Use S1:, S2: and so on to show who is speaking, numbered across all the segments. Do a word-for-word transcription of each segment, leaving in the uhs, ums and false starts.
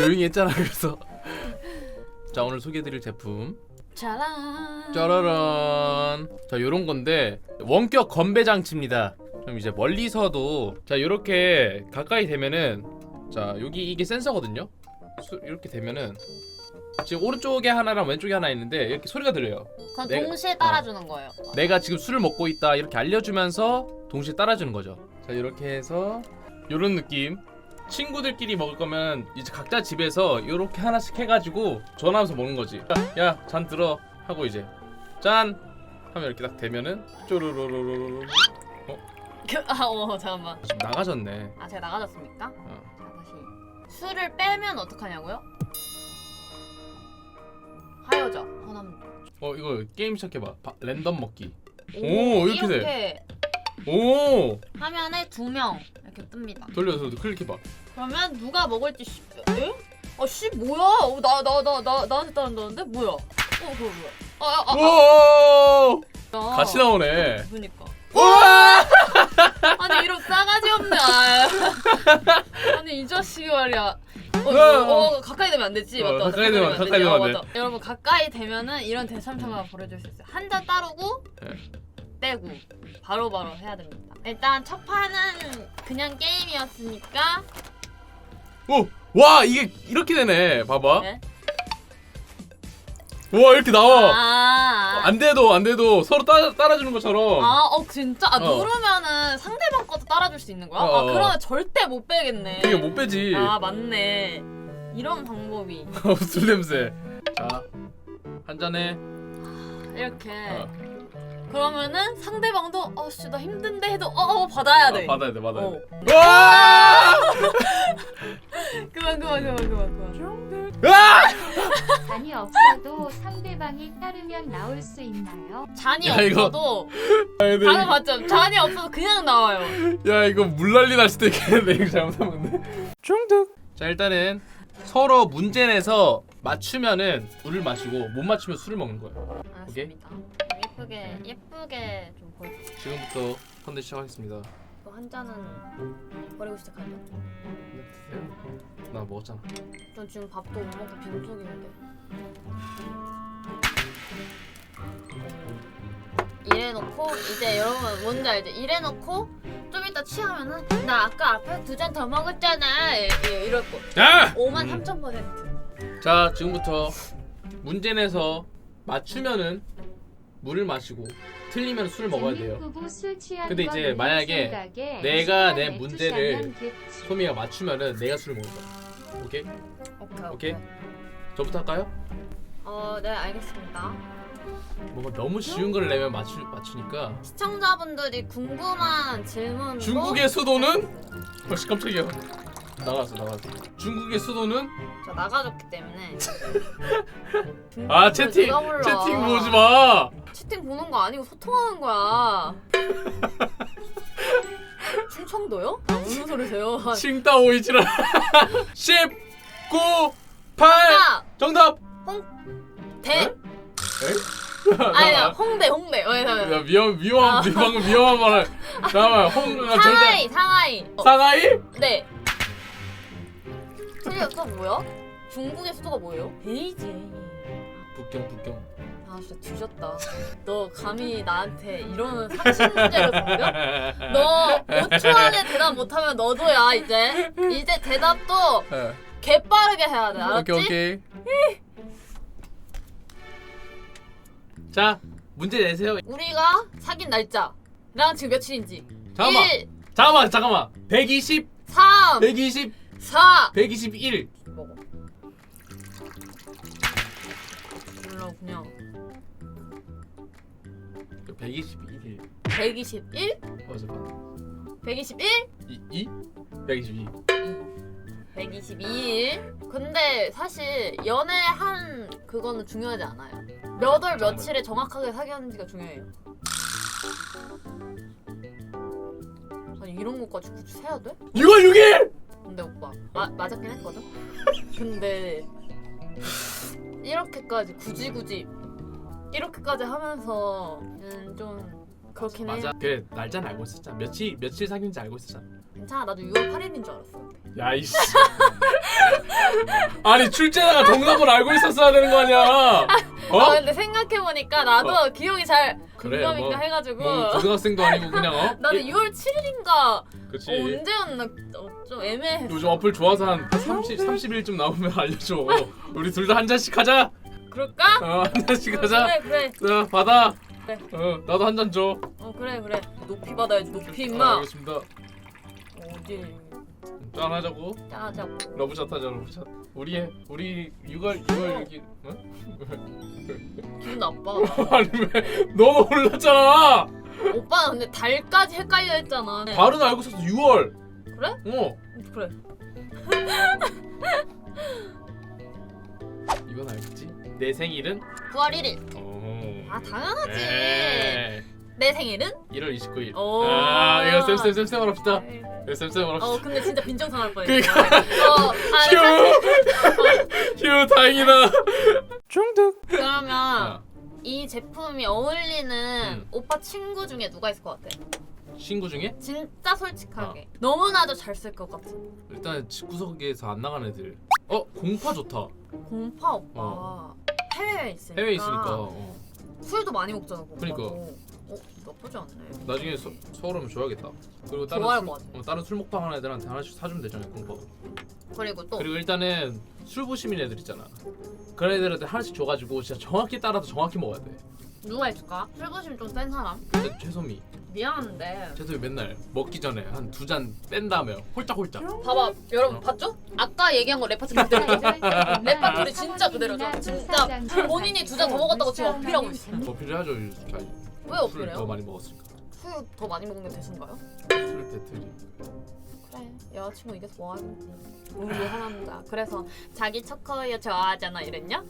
S1: 조용히 했잖아. 그래서 자, 오늘 소개해드릴 제품
S2: 짜란.
S1: 짜라란. 자, 요런 건데 원격 건배 장치입니다. 좀 이제 멀리서도 자, 요렇게 가까이 되면은 자, 여기 이게 센서거든요. 수, 이렇게 되면은 지금 오른쪽에 하나랑 왼쪽에 하나 있는데 이렇게 소리가 들려요.
S2: 그건
S1: 내가-
S2: 동시에 따라주는 거예요.
S1: 내가 지금 술을 먹고 있다 이렇게 알려주면서 동시에 따라주는 거죠. 자, 이렇게 해서 요런 느낌. 친구들끼리 먹을 거면 이제 각자 집에서 이렇게 하나씩 해가지고 전화하면서 먹는 거지. 야, 잔 들어 하고 이제 짠 하면 이렇게 딱 되면은 쪼르르르르르.
S2: 그, 아, 어, 잠깐만.
S1: 지금 나가졌네.
S2: 아, 제가 나가졌습니까?
S1: 어.
S2: 자, 다시. 술을 빼면 어떡하냐고요? 하여져. 하나만.
S1: 어, 이거 게임 시작해봐. 바, 랜덤 먹기.
S2: 오,
S1: 오, 이렇게 돼.
S2: 이렇게
S1: 오,
S2: 화면에 두 명 이렇게 뜹니다.
S1: 돌려서 클릭해봐.
S2: 그러면 누가 먹을지 씨. 에? 아, 씨 뭐야? 어, 나 나 나 나 나한테 따른다는데 뭐야? 어, 그거 뭐야? 아, 아, 아,
S1: 오,
S2: 아.
S1: 같이 나오네.
S2: 그러니까.
S1: 우와!
S2: 아니 이런 싸가지 없네. 아. 아니 이 자식이 말이야. 어, 어, 어 가까이 되면 안 되지.
S1: 어,
S2: 맞다.
S1: 가까이 되면
S2: 안
S1: 가까이
S2: 되지.
S1: 되면
S2: 어,
S1: 안 돼.
S2: 맞다. 여러분 가까이 되면은 이런 대참사가 벌어질 수 있어요. 한 잔 따르고
S1: 네.
S2: 떼고 바로바로 바로 해야 됩니다. 일단 첫 판은 그냥 게임이었으니까.
S1: 오, 와, 이게 이렇게 되네. 봐봐.
S2: 네?
S1: 와, 이렇게 나와.
S2: 아,
S1: 안 돼도 안 돼도 서로 따라 따라주는 것처럼.
S2: 아, 어 진짜 아,
S1: 어.
S2: 누르면은 상대방 것도 따라줄 수 있는 거야?
S1: 어,
S2: 아
S1: 어.
S2: 그러면 절대 못 빼겠네.
S1: 이게 못 빼지.
S2: 아 맞네. 이런 방법이
S1: 술 냄새. 자, 한 잔에.
S2: 이렇게.
S1: 어.
S2: 그러면은 상대방도 어씨 나 힘든데 해도 어, 어 받아야 돼.
S1: 아, 받아야 돼, 받아야
S2: 어.
S1: 돼. 와!
S2: 그만 그만 그만 그만 그만.
S1: 아!
S3: 잔이 없어도 상대방이 따르면 나올 수 있나요?
S2: 잔이
S1: 야, 이거-
S2: 없어도
S1: 아, 근데
S2: 방금
S1: 이거-
S2: 맞죠? 잔이 없어도 그냥 나와요.
S1: 야, 이거 물난리 날 수도 있겠는데 이거 잘못하면. 중독. 자, 일단은 서로 문제 내서 맞추면은 물을 마시고 못 맞추면 술을 먹는 거예요.
S2: 알았습니다. 예쁘게 예쁘게 좀 보여.
S1: 지금부터 컨텐츠 시작하겠습니다.
S2: 한 잔은 버리고 시작하죠.
S1: 나 먹었잖아.
S2: 전 지금 밥도 못 먹고 빈속인데. 이래놓고 이제 여러분 뭔지 알죠? 이래놓고 좀 이따 취하면은 나 아까 앞에 두 잔 더 먹었잖아 이- 이- 이럴 거.
S1: 야!
S2: 오만 삼천 퍼센트.
S1: 자, 지금부터 문제 내서 맞추면은 물을 마시고 틀리면 술을 먹어야 돼요.
S3: 부부 술 취한
S1: 근데
S3: 거
S1: 이제
S3: 놀릴
S1: 만약에
S3: 생각에
S1: 내가
S3: 시간
S1: 내
S3: 내투자면
S1: 문제를
S3: 됐지.
S1: 소미가 맞추면은 내가 술을 먹을 거야. 오케이?
S2: 오케이
S1: 오케이. 저부터 할까요?
S2: 어, 네 알겠습니다.
S1: 뭔가 너무 쉬운 걸 내면 맞추 맞추니까.
S2: 시청자분들이 궁금한 질문.
S1: 중국의 수도는? 벌써 깜짝이야. 나갔어, 나갔어. 중국의 수도는?
S2: 저 나가줬기 때문에.
S1: 아, 채팅
S2: 누가 몰라.
S1: 채팅 보지 마.
S2: 채팅 보는 거 아니고 소통하는 거야. 충청도요? 아, 무슨 소리세요?
S1: 칭따 오이지라. 십, 구, 팔. 정답.
S2: 대?
S1: 에?
S2: 아니야 홍대 홍대. 어, 잠깐만.
S1: 야, 위험 위험
S2: 아.
S1: 방금 위험한 말을. 잠깐만, 홍 아,
S2: 상하이 상하이. 어,
S1: 상하이?
S2: 네. 틀렸어 뭐야? 중국의 수도가 뭐예요? 베이징.
S1: 북경 북경.
S2: 아 진짜 뒤졌다. 너 감히 나한테 이런 상식 문제를 던져? 너 오 초 안에 대답 못하면 너도야 이제. 이제 대답도
S1: 예.
S2: 개빠르게 해야 돼. 알았지?
S1: 오케이 오케이. 자, 문제 내세요.
S2: 우리가 사귄 날짜랑 지금 며칠인지.
S1: 잠깐만.
S2: 일,
S1: 잠깐만 잠깐만. 백이십,
S2: 삼,
S1: 백이십,
S2: 사.
S1: 백이십일.
S2: 먹어. 몰라 그냥.
S1: 백이십일.
S2: 백이십일?
S1: 어 잠깐.
S2: 백이십일?
S1: 이 이? 백이십이.
S2: 백이십이일. 근데 사실 연애한 그거는 중요하지 않아요. 몇 월 며칠에 정확하게 사귀었는지가 중요해요. 아니 이런 것까지 굳이 세야 돼?
S1: 유월 육 일.
S2: 근데 오빠 마, 맞았긴 했거든? 근데 이렇게까지 굳이 굳이 이렇게까지 하면서는 좀 그렇긴 해.
S1: 맞아. 그래, 날짜는 알고 있었잖아. 며칠 며칠 사귄지 알고 있었잖아.
S2: 괜찮아 나도 유월 팔일인 줄 알았어.
S1: 야 이씨. 아니 출제자가 정답을 알고 있었어야 되는 거 아니야? 어?
S2: 아 근데 생각해보니까 나도
S1: 어.
S2: 기억이 잘
S1: 그래,
S2: 공감인가
S1: 뭐,
S2: 해가지고
S1: 뭐 고등학생도 아니고 그냥 어?
S2: 나도
S1: 예,
S2: 유월 칠일인가
S1: 그치.
S2: 어, 언제였나 어, 좀 애매해.
S1: 요즘 어플 좋아서 한 삼십, 삼십 일쯤 나오면 알려줘. 우리 둘 다 한 잔씩 하자.
S2: 그럴까?
S1: 어, 한 잔씩
S2: 어,
S1: 하자.
S2: 그래 그래.
S1: 자, 받아.
S2: 그래.
S1: 어, 나도 한 잔 줘.
S2: 어 그래 그래. 높이 받아야지 높이
S1: 아,
S2: 임마.
S1: 알겠습니다.
S2: 어디
S1: 짠 하자고.
S2: 짜자고.
S1: 러브샷 하자, 러브샷. 우리 우리 유월 유월 여기. 어?
S2: 기분 나빠.
S1: 아니 왜? 너도 몰랐잖아.
S2: 오빠는 근데 달까지 헷갈려 했잖아.
S1: 발은 알고 있었어. 유월.
S2: 그래?
S1: 어.
S2: 그래.
S1: 이건 알겠지? 내 생일은?
S2: 구월 일일.
S1: 어.
S2: 아 당연하지.
S1: 에이.
S2: 내 생일은?
S1: 일월 이십구일.
S2: 오.
S1: 아, 이거 쌤쌤쌤쌤 합시다.
S2: 아이,
S1: 이거 쌤쌤 합시다.
S2: 어 근데 진짜 빈정상할 뻔했어.
S1: 그러니까.
S2: 어 아니
S1: 휴, 휴, 다행이다. 중독.
S2: 그러면
S1: 아,
S2: 이 제품이 어울리는
S1: 음.
S2: 오빠 친구 중에 누가 있을 것 같아?
S1: 친구 중에
S2: 진짜 솔직하게
S1: 어.
S2: 너무나도 잘 쓸 것 같은
S1: 일단 집구석에서 안 나간 애들. 어, 공파 좋다.
S2: 공파 오빠
S1: 어.
S2: 해외에 있으니까
S1: 해외에 있으니까. 어.
S2: 술도 많이 먹잖아 공파도.
S1: 그러니까.
S2: 어 나쁘지 않네.
S1: 나중에 서, 서울 오면 줘야겠다. 그리고 다른
S2: 좋아할
S1: 술,
S2: 것 같아.
S1: 어, 다른 술 먹방 하는 애들한테 하나씩 사주면 되잖아요, 공파.
S2: 그리고 또
S1: 그리고 일단은 술 부심인 애들 있잖아. 그런 애들한테 하나씩 줘가지고 진짜 정확히 따라서 정확히 먹어야 돼.
S2: 누가 있을까? 술부심 좀 센 사람?
S1: 근데 최소미.
S2: 미안한데
S1: 최소미 맨날 먹기 전에 한 두 잔 뺀 다음에 홀짝홀짝.
S2: 봐봐 여러분
S1: 어.
S2: 봤죠? 아까 얘기한 거 레파토리 그대로 레파토리 진짜 그대로죠. 진짜 본인이 두 잔 더 먹었다고 지금 어필하고 있어요.
S1: 어필해야죠. 잘.
S2: 왜
S1: 술
S2: 어필해요?
S1: 더 많이 먹었으니까.
S2: 술 더 많이 먹는 게 대수인가요?
S1: 술 배틀이.
S2: 그래 여자친구 이겨서 뭐하는지 우리 하나입니다. 그래서 자기 초코우유 좋아하잖아 이랬냐?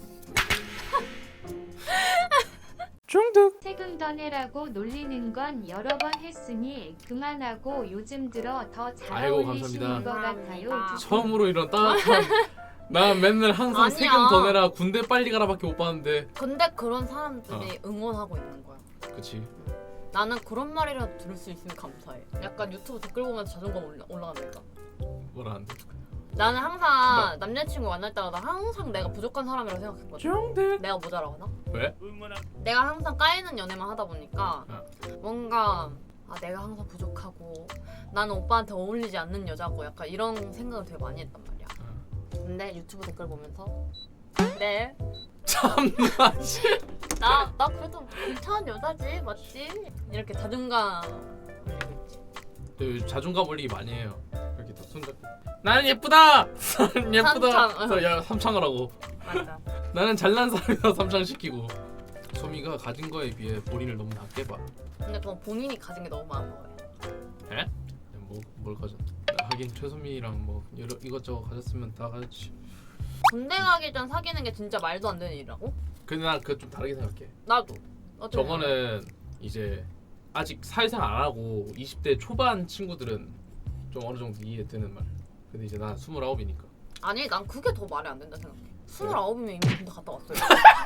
S1: 중독.
S3: 세금 더 내라고 놀리는 건 여러 번 했으니 그만하고 요즘 들어 더 잘
S1: 아이고,
S3: 어울리시는
S1: 감사합니다.
S3: 것 같아요.
S2: 감사합니다.
S1: 처음으로 이런 따뜻한. 나 맨날 항상
S2: 아니야.
S1: 세금 더 내라 군대 빨리 가라밖에 못 봤는데.
S2: 근데 그런 사람들이 응원하고 있는 거야.
S1: 그치.
S2: 나는 그런 말이라도 들을 수 있으면 감사해. 약간 유튜브 댓글 보면서 자존감 올라, 올라가니까.
S1: 뭐라는데.
S2: 나는 항상 남자친구 만날 때마다 항상 내가 부족한 사람이라고 생각했거든.
S1: 중독.
S2: 내가 모자라거나.
S1: 왜?
S2: 내가 항상 까이는 연애만 하다 보니까
S1: 어.
S2: 뭔가 아 내가 항상 부족하고 나는 오빠한테 어울리지 않는 여자고 약간 이런 생각을 되게 많이 했단 말이야. 근데 유튜브 댓글 보면서 그래
S1: 참나.
S2: 나, 나 그래도 괜찮은 여자지 맞지? 이렇게 자존감 올리고 있지.
S1: 저 자존감 올리기 많이 해요. 이렇게 딱 손잡고. 나는 예쁘다. 나는 예쁘다.
S2: 삼창.
S1: 그래서 야 삼창을 하고.
S2: 맞아.
S1: 나는 잘난 사람이다 삼창 시키고. 소미가 가진 거에 비해 본인을 너무 낮게 봐.
S2: 근데 그건 본인이 가진 게 너무 많은 거예요.
S1: 에? 뭐뭘 가졌? 하긴 최소미랑 뭐 여러 이것저것 가졌으면 다 가졌지.
S2: 군대 가기 전 사귀는 게 진짜 말도 안 되는 일이라고?
S1: 근데 난 그거 좀 다르게 생각해.
S2: 나도. 어떻게 생각해?
S1: 저거는 이제 아직 사회생활 안 하고 이십 대 초반 친구들은 좀 어느 정도 이해되는 말. 근데 이제 난 스물아홉이니까.
S2: 아니 난 그게 더 말이 안 된다 생각해. 스물아홉이면 이미 군대 갔다 왔어요.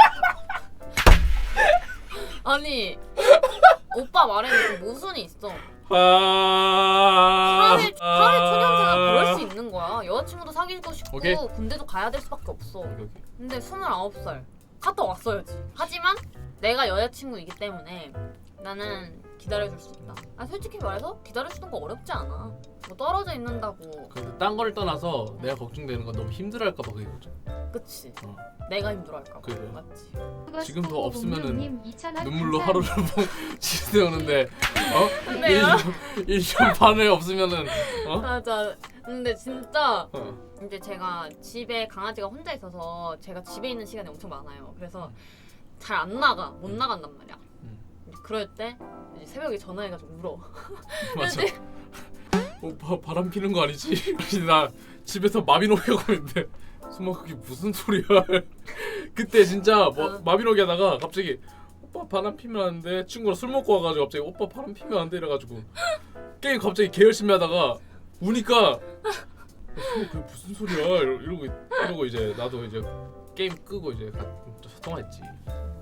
S2: 아니 오빠 말에는 좀 모순이 있어.
S1: 아.
S2: 사회 사회 초년생은 그럴 수 있는 거야. 여자친구도 사귀고 싶고
S1: 오케이.
S2: 군대도 가야 될 수밖에 없어.
S1: 오케이, 오케이.
S2: 근데 스물아홉 살 갔다 왔어야지. 하지만 내가 여자친구이기 때문에 나는 기다려줄 수 있다. 아 솔직히 말해서 기다려주는 거 어렵지 않아. 뭐 떨어져 있는다고.
S1: 근데 딴 거를 떠나서 내가 걱정되는 건 너무 힘들어할까봐 그게 걱정.
S2: 그치.
S1: 어.
S2: 내가 힘들어할까 봐.
S1: 그래.
S2: 맞지.
S1: 지금도 없으면은
S3: 이천 원
S1: 눈물로
S3: 감사합니다.
S1: 하루를 지새우는데 어?
S2: 근데요?
S1: 일 년 반에 없으면은 어?
S2: 맞아. 근데 진짜
S1: 어.
S2: 이제 제가 집에 강아지가 혼자 있어서 제가 집에 있는 시간이 엄청 많아요. 그래서 잘 안 나가. 못 나간단 말이야.
S1: 음.
S2: 그럴 때 이제 새벽에 전화해가지고 울어.
S1: 맞아. 오빠 바람 피는 거 아니지? 나 집에서 마비노기 하고 있는데 수마 그게 무슨 소리야? 그때 진짜 뭐
S2: 어.
S1: 마비노기 하다가 갑자기 오빠 바람 피면 안 돼. 친구랑 술 먹고 와가지고 갑자기 오빠 바람 피면 안 돼 이래가지고 게임 갑자기 개 열심히 하다가 우니까 수마 그게 무슨 소리야? 이러- 이러고 이러고 이제 나도 이제 게임 끄고 이제 가, 통화했지.